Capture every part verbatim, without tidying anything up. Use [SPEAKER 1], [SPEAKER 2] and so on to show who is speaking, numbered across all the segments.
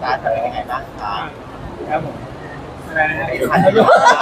[SPEAKER 1] คะจะเป็นยังไงบ้างคะ
[SPEAKER 2] ครับผมอะไรนะ
[SPEAKER 1] อันนี้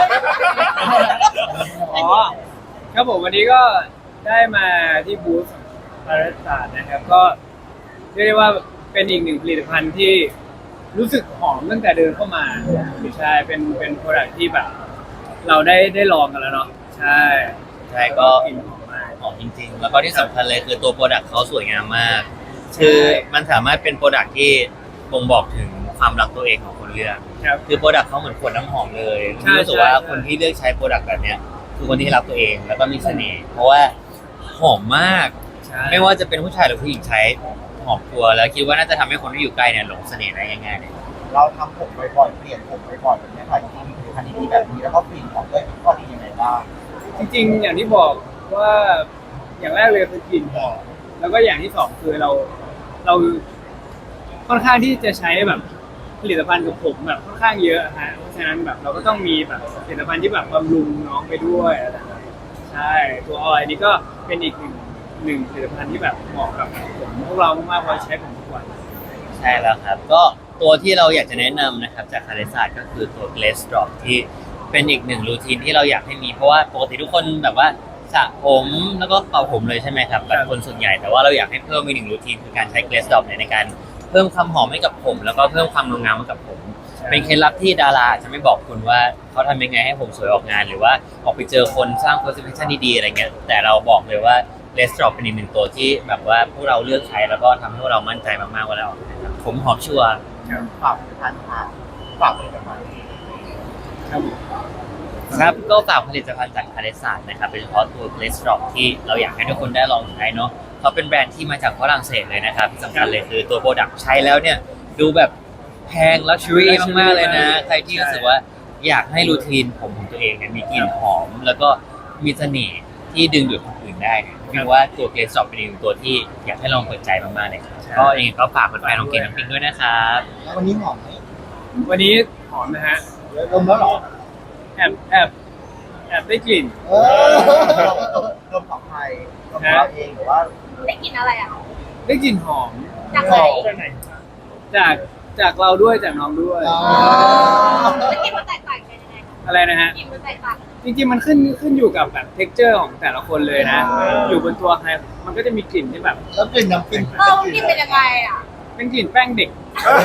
[SPEAKER 2] อ๋อครับผมวันนี้ก็ได้มาที่บูธพาราสานะครับก็เรียกได้ว่าเป็นอีกหนึ่งผลิตภัณฑ์ที่รู้สึกหอมตั้งแต่เดินเข้ามาใช่เป็นเป็นโปรดักที่แบบ เราได้ได้ลองกันแล้วเนาะใช่
[SPEAKER 3] ใช่ก็
[SPEAKER 2] กลิ่นหอมมาก
[SPEAKER 3] หอมจริงๆ แล้วก็ที่สำคัญเลยคือตัวโปรดักต์เขาสวยงามมาก คือมันสามารถเป็นโปรดักต์ที่บ่งบอกถึงความรักตัวเองของคนเลือก
[SPEAKER 2] ครับ
[SPEAKER 3] คือโปรดักต์เขาเหมือนขวดน้ำหอมเลย
[SPEAKER 2] ใช่
[SPEAKER 3] รู้สึกว่า
[SPEAKER 2] ใช่
[SPEAKER 3] คนที่เลือกใช้โปรดักต์แบบเนี้ยคือคนที่รักตัวเองแล้วก็มีเสน่ห์เพราะว่าหอมมาก
[SPEAKER 2] ใช่
[SPEAKER 3] ไม่ว่าจะเป็นผู้ชายหรือผู้หญิงใช้หอมตัวแล้วคิดว่าน่าจะทำให้คนที่อยู่ใกล้เนี่ยหลงเสน่ห์ได้ง่ายๆเลย
[SPEAKER 1] เราทำผมบ่อยๆเปลี่ยนผมบ่อยๆแบบนี้ค่ะจริงๆมีผลิตภัณฑ์ดีๆแบบนี้แล้วก็กลิ่นหอมด้วยข้อดียังไงบ้าง
[SPEAKER 2] จริงๆ อย่างที่บอกว่าอย่างแรกเลยคือกลิ่นหอมแล้วก็อย่างที่สองคือเราเราค่อนข้างที่จะใช้แบบผลิตภัณฑ์กับผมแบบค่อนข้างเยอะฮะเพราะฉะนั้นแบบเราก็ต้องมีแบบผลิตภัณฑ์ที่แบบบำรุงน้องไปด้วยอะไรแบบนั้นใช่ตัวออยนี่ก็เป็นอีกหนึ่งหนึ่งผลิตภัณฑ์ที่แบบเหมาะกับผมพวกเรามากๆเพราะใช้ผมทุกวัน
[SPEAKER 3] ใช่แล้วครับก็ตัวที่เราอยากจะแนะนำนะครับจากคาเลซ่าก็คือตัว Glaze Drop ที่เป็นอีกหนึ่งรูทีนที่เราอยากให้มีเพราะว่าปกติทุกคนแบบว่าสระผมแล้วก็เป่าผมเลยใช่ไหมครับแบบคนส่วนใหญ่แต่ว่าเราอยากให้เพิ่มอีกหนึ่งรูทีนคือการใช้ Glaze Drop เนี่ยในการเพิ่มความหอมให้กับผม แล้วก็เพิ่มความงามให้กับผม เป็นเคล็ดลับที่ดาราจะไม่บอกคุณว่าเขาทำยังไงให้ผมสวยออกงาน หรือว่าออกไปเจอคนสร้าง presentation ดีๆอะไรเงี้ยแต่เราบอกเลยว่า Glaze Drop เป็นอีกหนึ่งตัวที่แบบว่าพวกเราเลือกใช้แล้วก็ทำให้พวกเรามั่นใจมากๆว่าเราออกงานครับผมหอมชัวร์
[SPEAKER 1] ฝากผลิตภัณฑ์ค่ะฝากผลิตภัณฑ์
[SPEAKER 2] ครับ
[SPEAKER 3] ครับก็ฝากผลิตภัณฑ์จากคาเลสานนะครับโดยเฉพาะตัว Glaze Drop ที่เราอยากให้ทุกคนได้ลองใช้เนาะเขาเป็นแบรนด์ที่มาจากฝรั่งเศสเลยนะครับที่สำคัญเลยคือตัวโปรดักต์ใช้แล้วเนี่ยดูแบบแพงลักชัวรี่มากๆเลยนะ ใครที่รู้สึกว่าอยากให้รูทีนผมของตัวเองเนี่ยมีกลิ่นหอม แล้วก็มีเสน่ห์ที่ดึงดูดคนอื่นได้เนี่ยคิดว่าตัว Glaze Drop เป็นอีกหนึ่งตัวที่อยากให้ลองเปิดใจมากๆเลยครับก็เองก็ฝากแฟนๆลองกินน้ำพริกด้วยนะครับ
[SPEAKER 1] แล้ววันนี้หอมไหม
[SPEAKER 2] วันนี้หอมนะฮะ
[SPEAKER 1] ดมแล้วเหรอ
[SPEAKER 2] แอบแอบแอบได้กลิ่น
[SPEAKER 1] เออดมของใครดมของเราเองหรือว่า
[SPEAKER 4] ได้กลินอะไรอ่ะ
[SPEAKER 2] ได้กลิ่นหอม
[SPEAKER 4] จากไหน
[SPEAKER 2] จากจากเราด้วยจากน้องด้วย
[SPEAKER 1] อ๋อ
[SPEAKER 4] แล้วกลินมันแตกต่างกันยังไงคะ
[SPEAKER 2] อะไรนะฮะ
[SPEAKER 4] กลินมันแตกต่าง
[SPEAKER 2] จริงๆมันขึ้นขึ้นอยู่กับแบบ texture ของแต่ละคนเลยนะ อยู่บนตัวใครมันก็จะมีกลิ่นที่แบบ
[SPEAKER 1] แล้วกลิ่นน้ำพริก
[SPEAKER 4] เออมันกลินเป็นยังไงอ่ะ
[SPEAKER 2] เป็นกลิ่นแป้งเด็ก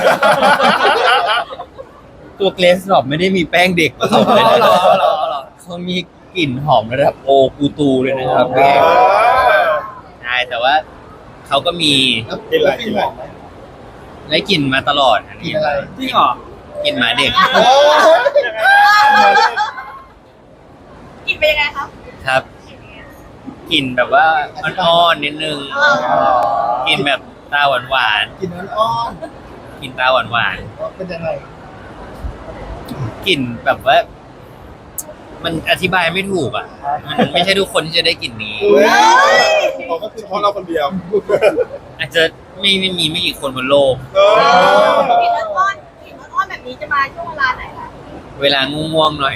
[SPEAKER 3] ตัว Glaze Drop ไม่ได้มีแป้งเด็กผสมเลยนะเขามีกลิ่นหอมระดับโอกูตูเลยนะครับพี่ใช่แต่ว่าเขาก็มี
[SPEAKER 1] แล้วกลิ่นอะไรกลิ่นหอมไหม
[SPEAKER 3] ได้กลิ่นมาตลอดอัน
[SPEAKER 1] กลิ่
[SPEAKER 3] นี้
[SPEAKER 1] นอะไร
[SPEAKER 2] จริงเหรอก
[SPEAKER 3] ลิ่นหมาเด็ก
[SPEAKER 1] โอ้ย
[SPEAKER 4] กลินเป็นยังไงครับ
[SPEAKER 3] ครับกลิ่นแบบว่าอ่อนๆนิดนึงกลิ่นแบบตาหวาน
[SPEAKER 1] กลิ่นอ่อน
[SPEAKER 3] ๆกลิ่นตาหวาน
[SPEAKER 1] ๆเป็นยังไง
[SPEAKER 3] ๆกลิ่นแบบว่า มันอธิบายไม่ถูกอ่ะมันไม่ใช่ทุกคนที่จะได้กลิ่นนี้
[SPEAKER 1] ผมก็คือเฉพาะเราคนเดียว
[SPEAKER 3] อาจจะไม่ไม่มีไม่กี่คนบนโลก
[SPEAKER 4] กลินอ่อนๆกลิ่นอ่อนๆแบบนี้จะมาช่วงเวลาไหนคะ
[SPEAKER 3] เวลาง่วงๆหน่อย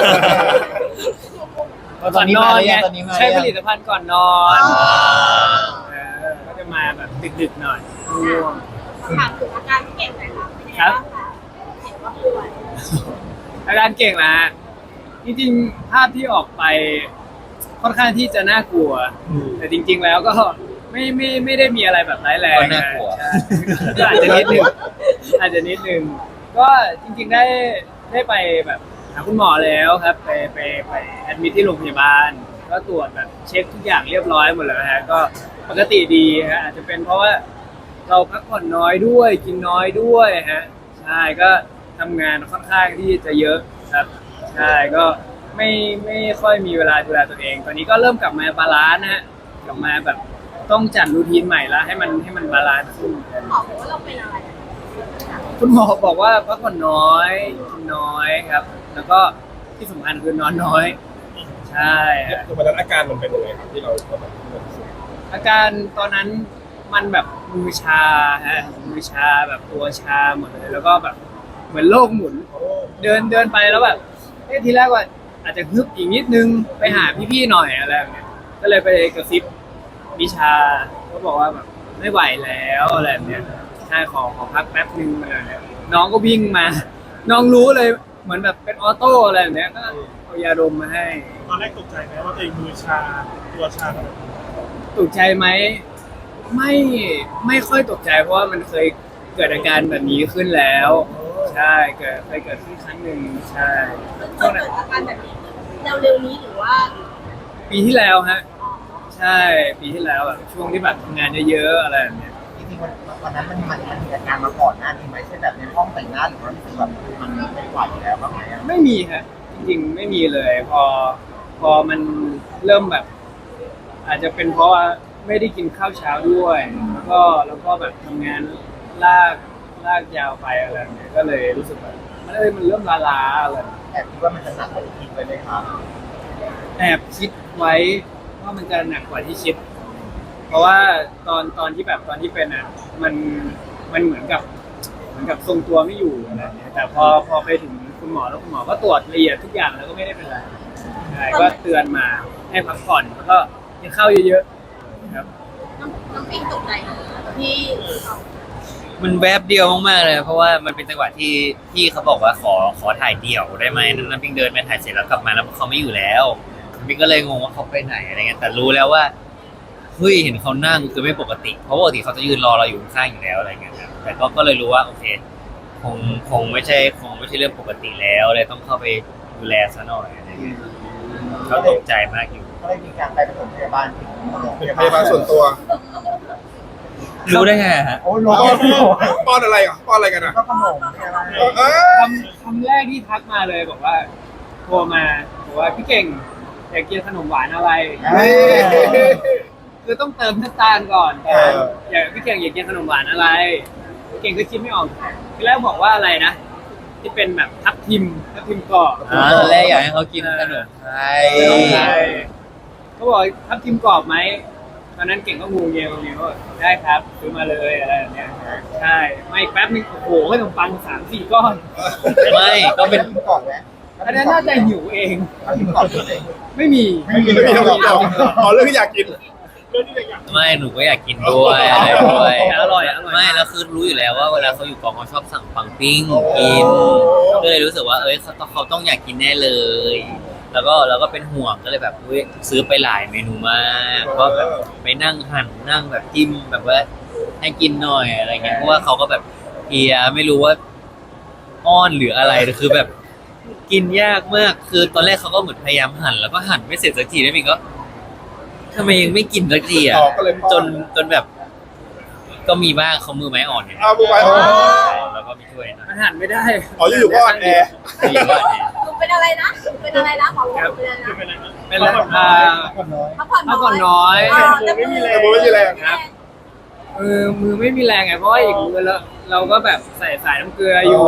[SPEAKER 2] ก่อนนอนไง
[SPEAKER 1] ตอนนี้มา
[SPEAKER 2] ใช้ผ
[SPEAKER 1] หรือยัง
[SPEAKER 2] ลิตภัณฑ์ก่อนนอนเออก็จะมาแบบดึกๆหน่อยง่วง
[SPEAKER 4] ถามถึงอาการที่เก่งหน่อยค่ะเป็นยังไงบ้างคะเห็นว่าป่วย
[SPEAKER 2] อาการเก่งนะฮะจริงๆภาพที่ออกไปค่อนข้างที่จะน่ากลัว แต่จริง ๆ แล้วก็ไม่ไม่ไม่ได้มีอะไรแบบร้ายแรง
[SPEAKER 3] ก็น่ากลัว
[SPEAKER 2] ใช่ก็อาจจะนิดนึงอาจจะนิดนึงก็จริง ๆได้ได้ไปแบบหาคุณหมอแล้วครับ ไปไปไปแอดมิทที่โรงพยาบาล ก็ตรวจแบบเช็คทุกอย่างเรียบร้อยหมดแล้วฮะก็ปกติดีฮะอาจจะเป็นเพราะว่าเราพักผ่อนน้อยด้วย กินน้อยด้วยฮะใช่ก็ทำงานค่อนข้างที่จะเยอะครับ ใช่ก็ไม่ไม่ค่อยมีเวลาดูแลตัวเอง ตอนนี้ก็เริ่มกลับมาบาลานซ์นะฮะกลับมาแบบต้องจัดรูทีนใหม่แล้วให้มันให้มันบาลานซ์ขึ้น
[SPEAKER 4] หมอบอกว่าเราเป็นอะไรอะ
[SPEAKER 2] คุณหมอบอกว่าพักผ่อนน้อยกินน้อยครับ แล้วก็ที่สำคัญคือนอนน้อย ใช่ฮะ
[SPEAKER 5] คือวันนั้นอาการมันเป็นยังไงครับที่เราตอนนั้นที่เรารู้สึก
[SPEAKER 2] อาการตอนนั้นมันแบบมือชาฮะมือชาแบบตัวชาหมดเลยแล้วก็แบบเหมือนโลกหมุน เดินเดินไปแล้วแบบเอ๊ะทีแรกว่าอาจจะฮึบอีกนิดนึงไปหาพี่ๆหน่อยอะไรแบบเนี้ยก็เลยไปกระซิบวิชาก็บอกว่าแบบไม่ไหวแล้วอะไรแบบเนี้ยใช่ขอขอพักแป๊บนึงอะไรแบบเนี้ยน้องก็วิ่งมา น้องรู้เลยเหมือนแบบเป็นออโต้อะไรแบบเนี้ยก็เอายาดมมาให้
[SPEAKER 5] ตอนแรกตกใจไหมว่าตัวเองมือชาตัวชาขนาดนั้น
[SPEAKER 2] ตกใจไหมไม่ไม่ค่อยตกใจเพราะว่ามันเคยเกิดอาการแบบนี้ขึ้นแล้ว ใช่เกิดเคยเกิดขึ้นครั้งหนึ่งใช่
[SPEAKER 4] มันเกิดอาการแบบนี้เร็วๆนี้หรือว่า
[SPEAKER 2] ปีที่แล้วฮะใช่ปีที่แล้วแบบช่วงที่แบบทำงานเยอะๆอะไรแบบเนี้ย
[SPEAKER 1] จริงๆวันวันนั้นมันมันมันมีอาการมาก่อนหน้านี้ไหมเช่นแบบในห้องแต่งหน้าหรือว่ารู้สึกแบบมันไม่ไหวแล้วบ้างไหมอะ
[SPEAKER 2] ไม่มีฮะจริงๆไม่มีเลย พอพอมันเริ่มแบบ อาจจะเป็นเพราะว่าไม่ได้กินข้าวเช้าด้วย แล้วก็แล้วก็แบบทำงานลากลากยาวไปอะไรแบบเนี้ยก็เลยรู้สึกแบบมันเอ้ยมันเริ่มล้าๆอะไร
[SPEAKER 1] แอบคิดว่ามันจะหนักกว่าที่คิดไว้ไหมครับ
[SPEAKER 2] แอบคิดไว้ว่ามันจะหนักกว่าที่คิด เพราะว่าตอนตอนที่แบบตอนที่เป็นอ่ะมันมันเหมือนกับเหมือนกับทรงตัวไม่อยู่อะไรอย่างเงี้ยแต่พอพอไปถึงคุณหมอแล้วคุณหมอก็ตรวจละเอียดทุกอย่างแล้วก็ไม่ได้เป็นไรใช่ก็เตือนมาให้พักผ่อนแล้วก็กินข้าวเยอะๆครับ
[SPEAKER 4] น้องน้องปิงตกใจที่
[SPEAKER 3] มันแวบเดียวมากๆเลย เพราะว่ามันเป็นจังหวะที่พี่เขาบอกว่าขอขอถ่ายเดี่ยวได้ไหมน้ำพิงเดินไปถ่ายเสร็จแล้วกลับมาแล้วเขาไม่อยู่แล้วน้ำพิงก็เลยงงว่าเขาไปไหนอะไรเงี้ยแต่รู้แล้วว่าเฮ้ยเห็นเขานั่งคือไม่ปกติ เพราะปกติเขาจะยืนรอเราอยู่ข้างๆอยู่แล้วอะไรเงี้ยครับแต่ก็ก็เลยรู้ว่าโอเคคงคงไม่ใช่คงไม่ใช่เรื่องปกติแล้วเลยต้องเข้าไปดูแลซะหน่อยอะไรเงี้ยเขาตกใจมากอยู่
[SPEAKER 1] ก็เลยมีการไปปฐมพยาบาลถึงโรงพ
[SPEAKER 5] เป็น
[SPEAKER 1] ยา
[SPEAKER 5] พยาบา
[SPEAKER 1] บา
[SPEAKER 5] ล
[SPEAKER 1] ล
[SPEAKER 5] ส่วนตัว
[SPEAKER 3] รู้ได้ไงฮะ
[SPEAKER 1] โอ้โห
[SPEAKER 5] ป้อนป้อนอะไรอ่ะป้อนอะไรกันอ่ะ
[SPEAKER 1] ก็ขนมใช่ไหม
[SPEAKER 5] เออ
[SPEAKER 2] คำคำแรกที่ทักมาเลยบอกว่าโทรมาบอกว่าพี่เก่งอยากกินขนมหวานอะไร คือต้องเติมน้ำตาลก่อนแต่อยากพี่เก่งอยากกินขนมหวานอะไรพี่เก่งก็คิดไม่ออกทีแรกบอกว่าอะไรนะที่เป็นแบบทับทิมทับทิมกรอบ
[SPEAKER 3] อ่าตอนแรกอยากให้เขากินขนมไทย
[SPEAKER 2] ใช่เขาบอกทับทิมกรอบไหมตอนนั้นเก่งก็งูเงี้ยวงูว่าได้ครับซื้อมาเลยอะไรแบบเนี้ยใช่ไม่แป๊บนึงโอ้โหขนมปังสามสี่ก้อน
[SPEAKER 3] ไม่ก็เป็น
[SPEAKER 1] กินก่อนไหม
[SPEAKER 2] อันนั้นน่าจะหิวเอง
[SPEAKER 1] กินก่อนเลย
[SPEAKER 2] ไม่มี
[SPEAKER 1] ไม่มี
[SPEAKER 5] ไม่มีคำตอบอ๋อเรื่องที่อยากกินเรื่องที่อยากกิน
[SPEAKER 3] ไม่หนูก็อยากกินด้วยอะไรด้วย
[SPEAKER 2] แต่อร่อยอร่อย
[SPEAKER 3] ไม่แล้วคือรู้อยู่แล้วว่าเวลาเขาอยู่กองเขาชอบสั่งปังปิ้งกินก็เลยรู้สึกว่าเอ้ยเขาต้องเขาต้องอยากกินแน่เลย แล้วก็แล้วก็เป็นห่วงก็เลยแบบอุ๊ยซื้อไปหลายเมนูมากก็แบบไปนั่งหั่นนั่งแบบจิ้มแบบว่าให้กินหน่อยอะไรเงี้ยเพราะว่าเขาก็แบบเอียไม่รู้ว่าอ้อนหรืออะไรแต่คือแบบกินยากมากคือตอนแรกเขาก็เหมือนพยายามหั่นแล้วก็หั่นไม่เสร็จสักทีแล้วมินก็ทำไมยังไม่กินสักทีอ่ะ
[SPEAKER 5] ต่อก็เลยป้อน
[SPEAKER 3] จนจนแบบ ก็มีบ้างเขามือไม้อ่อนไง
[SPEAKER 5] เอามือไม้อ่อน
[SPEAKER 3] แล้วก็มีช่วยหน่อย
[SPEAKER 2] อาหารไม่ได้
[SPEAKER 5] อ๋ออยู่ๆก็อ่อนแอ
[SPEAKER 3] มีบ้างเนี่ย
[SPEAKER 4] หนูเป็นอะไรนะหนูเป็นอะไรนะขอบอกเป็นอะไรนะ
[SPEAKER 2] เป็นอะไรอ่า
[SPEAKER 1] คนน้อย
[SPEAKER 4] พักผ่อน
[SPEAKER 2] พักผ่อนน้อย
[SPEAKER 4] แต่มือ
[SPEAKER 5] แต่มือไม่มีแรง
[SPEAKER 2] ครับ เออมือไม่มีแรงไงเพราะว่าอีกมือเราเราก็แบบใส่สายน้ำเกลืออยู่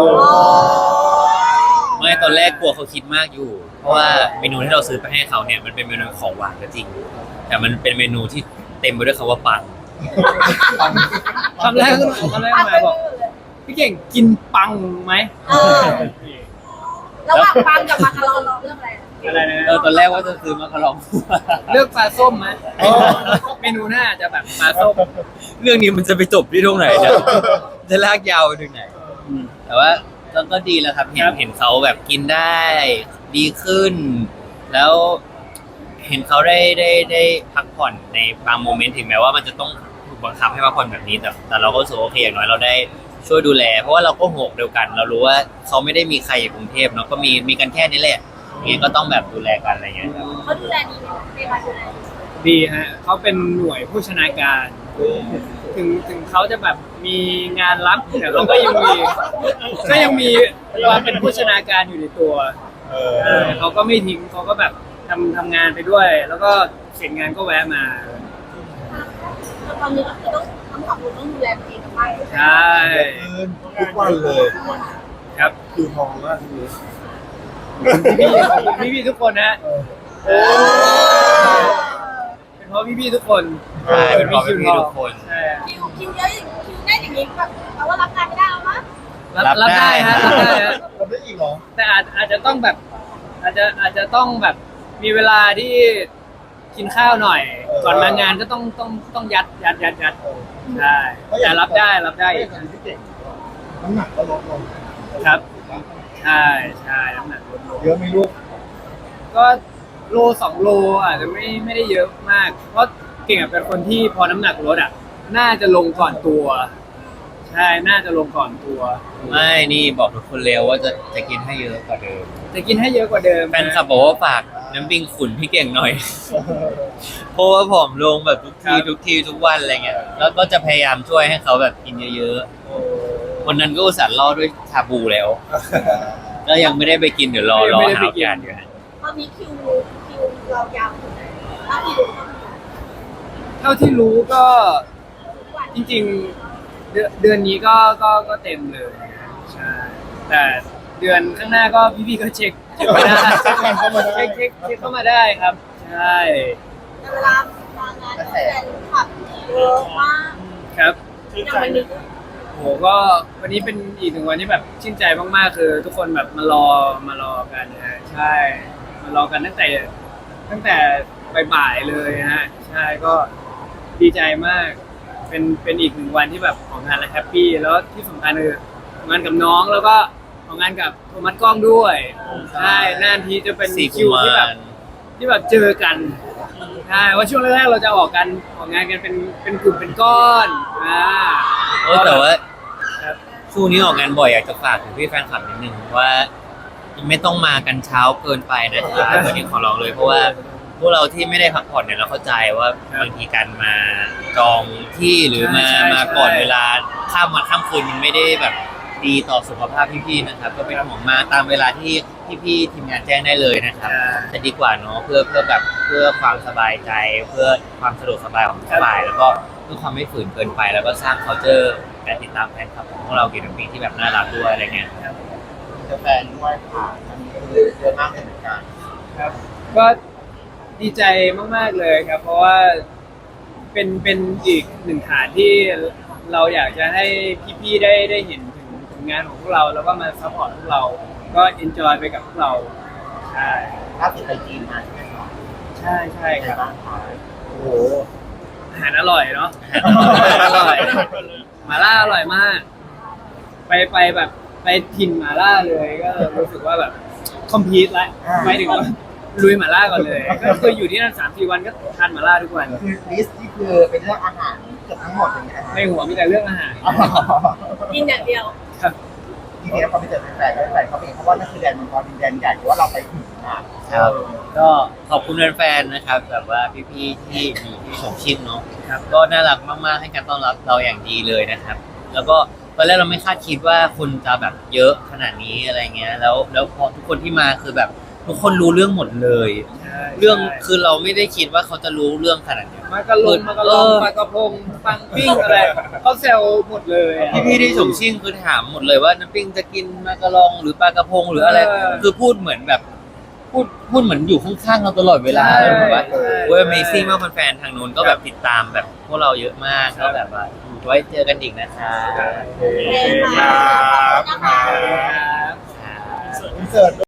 [SPEAKER 3] ไม่ตอนแรกกลัวเขาคิดมากอยู่ เพราะว่าเมนูที่เราซื้อไปให้เขาเนี่ยมันเป็นเมนูของหวานก็จริง แต่มันเป็นเมนูที่เต็มไปด้วยคำว่าปัง
[SPEAKER 2] คำแรกคำแรกมาบอกพี่เก่งกินปังไหม
[SPEAKER 4] เออระหว่างปังกับมาคาร์ลเรื่องอะไร
[SPEAKER 2] อะไรนะ
[SPEAKER 3] เออตอนแรกว่าจะซื้อมาคารอง
[SPEAKER 2] เลือกปลาส้มไหมเมนูหน้าจะแบบปลาส้ม
[SPEAKER 3] เรื่องนี้มันจะไปจบที่ตรงไหนเนี่ยจะลากยาวไปถึงไหน แต่ว่าก็ก็ดีแล้วครับ เห็นเห็นเขาแบบกินได้ดีขึ้น แล้วเห็นเขาได้ได้ได้พักผ่อนในบางโมเมนต์ถึงแม้ว่ามันจะต้องถูกบังคับให้พักผ่อนแบบนี้แต่แต่เราก็รู้สึกว่าโอเคอย่างน้อยเราได้ช่วยดูแล เพราะว่าเราก็หัวอกเดียวกัน เรารู้ว่าเขาไม่ได้มีใครอยู่กรุงเทพเนาะก็มีมีกันแค่นี้แหละอย่างเงี้ยก็ต้องแบบดูแลกันอะไรอย่างเงี้ยครับ
[SPEAKER 4] เขาดูแลดีไหมในการดูแล
[SPEAKER 2] ดีฮะเขาเป็นหน่วยผู้ชนาการ ถึงถึงเขาจะแบบมีงานรับแต่เขาก็ยังมีก็ยังมีความเป็นผู้ชนาการอยู่ในตัว
[SPEAKER 5] เอ
[SPEAKER 2] เอ
[SPEAKER 5] อ
[SPEAKER 2] อเขาก็ไม่ทิ้งเขาก็แบบทำทำงานไปด้วย แล้วก็เสร็จงานก็แวะมา
[SPEAKER 4] ตอนนี้ก็คือต้องทั้งสองคนต้องดูแลตัวเองกับบ้าน
[SPEAKER 2] ใช่
[SPEAKER 5] ทุกวันเลย
[SPEAKER 2] ครับ
[SPEAKER 5] คิวทองมากทีนี้
[SPEAKER 2] พี่ๆขอบคุณพี่ๆทุกคนนะเป็นเพราะพี่ๆทุกคน
[SPEAKER 3] ใช่เป็นเพราะพี่ๆทุกคน
[SPEAKER 2] ใช่
[SPEAKER 4] คิวคิวเยอะอย่างคิวแน่นอย่างนี้แบบแปลว่ารับงานไม่ได้แล้วมั้ง
[SPEAKER 2] รับ
[SPEAKER 3] รับ
[SPEAKER 2] รับได้
[SPEAKER 3] ได้
[SPEAKER 2] ฮะรับได้ฮะ
[SPEAKER 1] คนได้อีกเหรอ
[SPEAKER 2] แต่อาจอาจจะต้องแบบ อาจจะอาจจะต้องแบบมีเวลาที่กินข้าวหน่อย ก่อนมางานก็ต้องต้องต้องยัดยัดยัดยัดใช่แต่รับได้รับได้
[SPEAKER 1] ไม่อย่างที่เก่งน้ำหนักก็ลดลง
[SPEAKER 2] ครับใช่ใช่น้ำหนักลดลง
[SPEAKER 1] เยอะไหมลูก
[SPEAKER 2] ก็โลสองโลอาจจะไม่ไม่ได้เยอะมาก เพราะเก่งอะเป็นคนที่พอน้ำหนักลดอ่ะ น่าจะลงก่อนตัว ใช่น่าจะลงก่อนตัว
[SPEAKER 3] ไม่นี่บอกทุกคนเร็วว่าจะจะกินให้เยอะกว่าเดิม
[SPEAKER 2] จะกินให้เยอะกว่าเดิม
[SPEAKER 3] แฟนคลับบอกว่าฝากน้ำปิงขุนพี่เก่งหน่อย เพราะว่าผอมลงแบบทุกทีทุกทีทุกวันอะไรเงี้ยแล้วก็จะพยายามช่วยให้เขาแบบกินเยอะๆวันนั้นก็อุตส่าห์ล่อด้วยชาบูแล้ว ก็ยังไม่ได้ไปกินเดี๋ยวรอรอ
[SPEAKER 2] ไม่ได้
[SPEAKER 3] หา
[SPEAKER 2] ไป
[SPEAKER 3] โอ
[SPEAKER 2] กิน
[SPEAKER 3] กาสอยู่ฮะ
[SPEAKER 4] ตอนนี้คิวคิวเรายาวถึงไหนถ้าที่ดูก็มี
[SPEAKER 2] เท่าที่รู้ก็
[SPEAKER 4] ทุกวัน
[SPEAKER 2] จริงๆเดือนเดือนนี้ก็ก็ก็เต็มเลยใช่แต่เดือนข้างหน้าก็พี่ๆก็เช็คเช็คมาได้
[SPEAKER 1] เช็คเข้ามาได้
[SPEAKER 2] เช็คเช็คเช็คเข้ามาได้ครับใช่
[SPEAKER 4] แต่เวลามางานแฟนคลับเยอะมาก
[SPEAKER 2] ครับ
[SPEAKER 5] ชื่น
[SPEAKER 4] อย่าง
[SPEAKER 5] ใจ
[SPEAKER 4] วันนี้ก็
[SPEAKER 2] โหก็วันนี้เป็นอีกหนึ่งวันที่แบบชื่นใจมากๆคือ ทุกคนแบบมารอมารอกันนะฮะใช่มารอกันตั้งแต่ตั้งแต่บ่ายๆเลยนะฮะใช่ก็ดีใจมาก เป็นเป็นอีกหนึ่งวันที่แบบของงานและแฮปปี้แล้วที่สำคัญคือของงานกับน้องแล้วก็ของงานกับโทมัสกล้องด้วยใช่นานทีจะเป็น
[SPEAKER 3] สี่
[SPEAKER 2] คิ
[SPEAKER 3] กุ
[SPEAKER 2] ว
[SPEAKER 3] มาร
[SPEAKER 2] ที่แบบที่แบบเจอกันใช่ว่าช่วงแรกๆเราจะออกกันออกงานกันเป็นเป็นกลุ่มเป็นก้อนอ่า
[SPEAKER 3] โอ้แต่ว่า
[SPEAKER 2] ครับ
[SPEAKER 3] ช่วงนี้ออกงานบ่อยอยากจะฝากถึงพี่แฟนคลับนิดนึงว่าไม่ต้องมากันเช้าเกินไปนะครับวันนี้ขอร้องเลยเพราะว่าพวกเราที่ไม่ได้พักผ่อนเนี่ยเราเข้าใจว่าบางทีการมาจองที่หรือมามาก่อนเวลาข้ามวันข้ามคืนมันไม่ได้แบบดีต่อสุขภาพพี่ๆนะครับ ก็เป็นห่วงมาตามเวลาที่พี่ๆทีมงานแจ้งได้เลยนะครับจะดีกว่าเนาะเพื่อเพื่อแบบเพื่อความสบายใจ เพื่อความสะดวกสบายของทุกฝ่ายแล้วก็เพื่อความไม่ฝืนเกินไป แล้วก็สร้าง culture การติดตามแฟนคลับของพวกเราเกี่ยวกับปีที่แบบน่ารักด้วยอะไรเงี้ย
[SPEAKER 1] เจอแฟนด้วยค่ะอันนี้คือเยอะมากเลยเหมือนกัน
[SPEAKER 2] ครับก็ดีใจมากๆเลยครับ เพราะว่าเป็นเป็นอีกหนึ่งฐานที่เราอยากจะให้พี่ๆได้ได้เห็นถึงผลงานของพวกเราแล้วก็มาซัพพอร์ตพวกเราก็เอนจอยไปกับพวกเราใช่
[SPEAKER 1] ล่าสุดไปจีนมาใช่ไหมครับ
[SPEAKER 2] ใช่ใช่
[SPEAKER 1] เป็น
[SPEAKER 2] ครับ
[SPEAKER 1] ไงบ้างคะ
[SPEAKER 2] โอ้โหอาหารอร่อยเนาะอาหารอร่อยหม่าล่าอร่อยมาก ไปไปแบบไปถิ่นหม่าล่าเลยก็รู้สึกว่าแบบคอมพลีทละไปถึงว่าลุยหม่าล่าก่อนเลย ก็คืออยู่ที่นั่นสามสี่วันก็ทานหม่าล่าทุกวัน
[SPEAKER 1] คือลิสต์ที่คือเป็นเรื่องอาหารเกือบทั้งหมดอย่างเงี้ย
[SPEAKER 2] ในหัวมีแต่เรื่องอาหาร
[SPEAKER 4] กินอย่างเดียว
[SPEAKER 2] ครับ
[SPEAKER 1] ทีนี้พอไปเจอแฟนๆก็แฟนเขาเป็นเพราะว่านั่นคือแดนมังกรดินแดนใหญ่หรือว่าเราไปถึงอ่ะ
[SPEAKER 3] ครับ ก็ขอบคุณแฟนๆนะครับแบบว่าพี่ๆที่มีที่ชมชิมเนาะครับก็น่ารักมากๆให้การต้อนรับเราอย่างดีเลยนะครับ แล้วก็ตอนแรกเราไม่คาดคิดว่าคนจะแบบเยอะขนาดนี้อะไรเงี้ยแล้วแล้วพอทุกคนที่มาคือแบบทุกคนรู้เรื่องหมดเลย เรื่องคือเราไม่ได้คิดว่าเขาจะรู้เรื่องขนาดนี้
[SPEAKER 2] มากระลงมากระลงปลากระพงปังปิ้งอะไรเขาแซวหมดเลยอะ
[SPEAKER 3] พี่ๆที่ชมชิ่งคือถามหมดเลยว่าน้ำปิ้งจะกินมากระลองหรือปลากระพงหรืออะไร
[SPEAKER 2] เออ
[SPEAKER 3] คือพูดเหมือนแบบพูดพูดเหมือนอยู่ข้างๆเราตลอดเวลา
[SPEAKER 2] ใช่
[SPEAKER 3] เลยแบบว่า
[SPEAKER 2] ใช่
[SPEAKER 3] เว้ย Amazing มากแฟนๆทางนู้นก็แบบติดตามแบบพวกเราเยอะมาก
[SPEAKER 2] ครั
[SPEAKER 3] ก็
[SPEAKER 2] บ
[SPEAKER 3] แบบว่าไว้เจอกันอีกนะคะ
[SPEAKER 4] โอเคค่ะขอบคุณนะคะ
[SPEAKER 2] ครับ
[SPEAKER 1] อินเสิร์ต